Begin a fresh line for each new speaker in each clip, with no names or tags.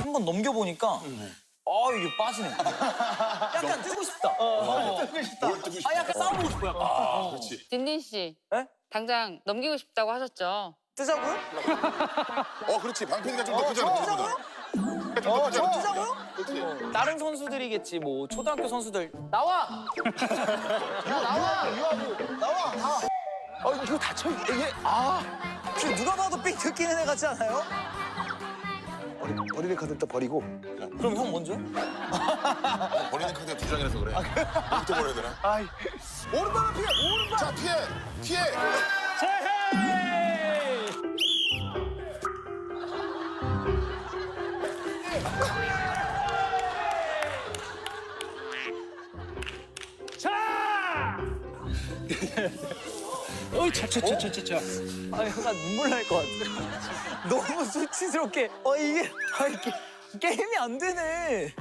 한 번 넘겨보니까 이게 빠지네. 약간 뜨고 싶다.
뭘 뜨고 싶어?
약간 싸워보고 싶어, 약간.
그렇지.
딘딘 씨.
네?
당장 넘기고 싶다고 하셨죠?
뜨자고요?
그렇지. 방패기가 좀 더 크잖아.
뜨자고요?
크잖아.
뜨자고요? 다른 선수들이겠지, 뭐 초등학교 선수들. 나와!
이거 다쳐 이게
지금 누가 봐도 삑 듣기는 애 같지 않아요?
버리는 카드 딱 버리고.
그럼 형 먼저?
버리는 카드가 두 장이라서 그래. 어디부터 버려야 되나?
오른발만 피해. 오른발.
자, 피해! 피해!
약간 눈물 날 것 같아. 너무 수치스럽게. 이게 게임이 안 되네.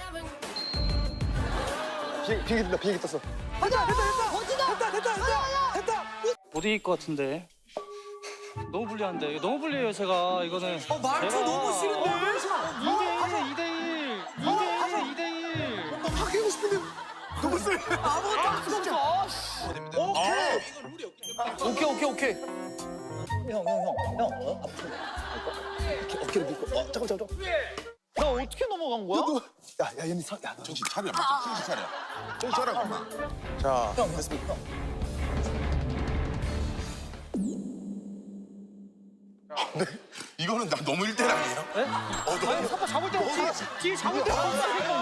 비행기 뜬다. 비행기 떴어. 됐다.
못 이길 것 같은데. 너무 불리한데. 이거 너무 불리해요, 제가. 이거는.
말투 너무 싫은데?
2대1. 2대1.
바뀌고 싶은데 너무 세.
아무것도 할 수가 없어. 오케이. 형. 앞으로.
어깨를 밀고. 잠깐.
나 어떻게 넘어간 거야?
야, 얘네 야, 너.
정신 차려. 정신 차려. 정신 차려, 엄마.
자,
형, 됐습니다.
이거는 나 너무 1대1 아니에요? 네? 너무.
아빠 잡을 때 없지. 뒤에 잡을 때 없어.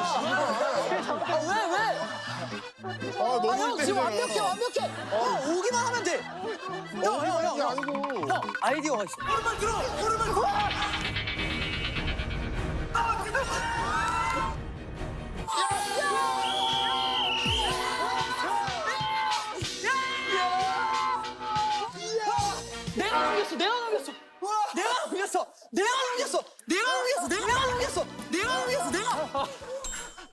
왜?
너무
형 지금 완벽해. 형 오기만 하면 돼. 형.
아니고.
형 아이디어가 있어. 오른발 들어. 내가 넘겼어.